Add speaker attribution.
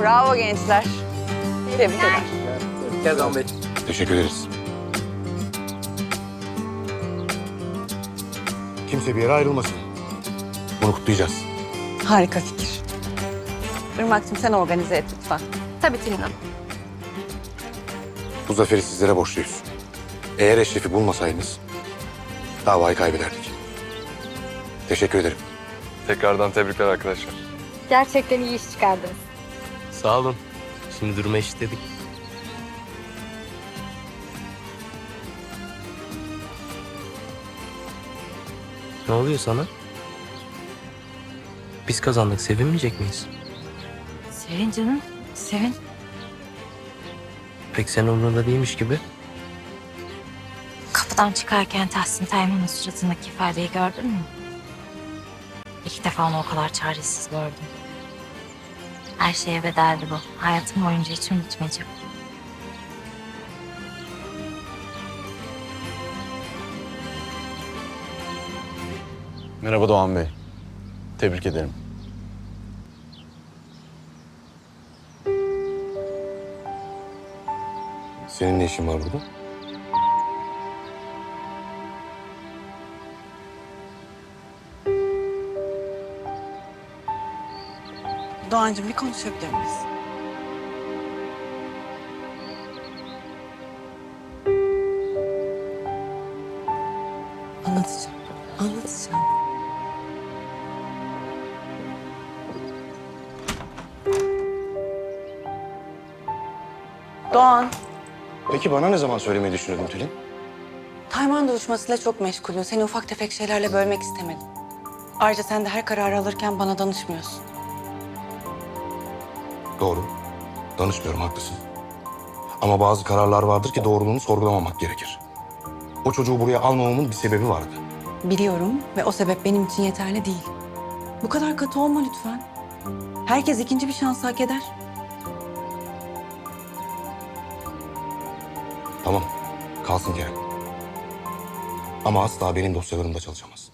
Speaker 1: Bravo gençler. Tebrik ederim.
Speaker 2: Gel Doğan Bey.
Speaker 3: Teşekkür ederiz. Kimse bir yere ayrılmasın. Bunu kutlayacağız.
Speaker 1: Harika fikir. Irmak'cığım sen organize et lütfen.
Speaker 4: Tabii Tülin Hanım.
Speaker 3: Bu zaferi sizlere borçluyuz. Eğer Eşref'i bulmasaydınız davayı kaybederdik. Teşekkür ederim.
Speaker 5: Tekrardan tebrikler arkadaşlar.
Speaker 4: Gerçekten iyi iş çıkardınız.
Speaker 2: Sağ olun. Şimdi durumu eşitledik. Ne oluyor sana? Biz kazandık. Sevinmeyecek miyiz?
Speaker 4: Sevin canım, sevin.
Speaker 2: Pek senin umurunda değilmiş gibi.
Speaker 4: Kapıdan çıkarken Tahsin Tayman'ın suratındaki ifadeyi gördün mü? İlk defa onu o kadar çaresiz gördüm. Her şeye bedeldi bu. Hayatım boyunca hiç unutmayacağım.
Speaker 6: Merhaba Doğan Bey. Tebrik ederim.
Speaker 3: Senin ne işin var burada?
Speaker 1: Doğancığım bir konuşabilir miyiz? Anlatacağım. Anlatacağım. Doğan,
Speaker 3: Peki bana ne zaman söylemeyi düşünüyordun Tülin?
Speaker 1: Tayman duruşmasıyla çok meşgulüm. Seni ufak tefek şeylerle bölmek istemedim. Ayrıca sen de her kararı alırken bana danışmıyorsun.
Speaker 3: Doğru. Danışmıyorum, haklısın. Ama bazı kararlar vardır ki doğruluğunu sorgulamamak gerekir. O çocuğu buraya almamamın bir sebebi vardı.
Speaker 1: Biliyorum ve o sebep benim için yeterli değil. Bu kadar katı olma lütfen. Herkes ikinci bir şans hak eder.
Speaker 3: Tamam, kalsın Kerem. Ama asla benim dosyalarımda çalışamaz.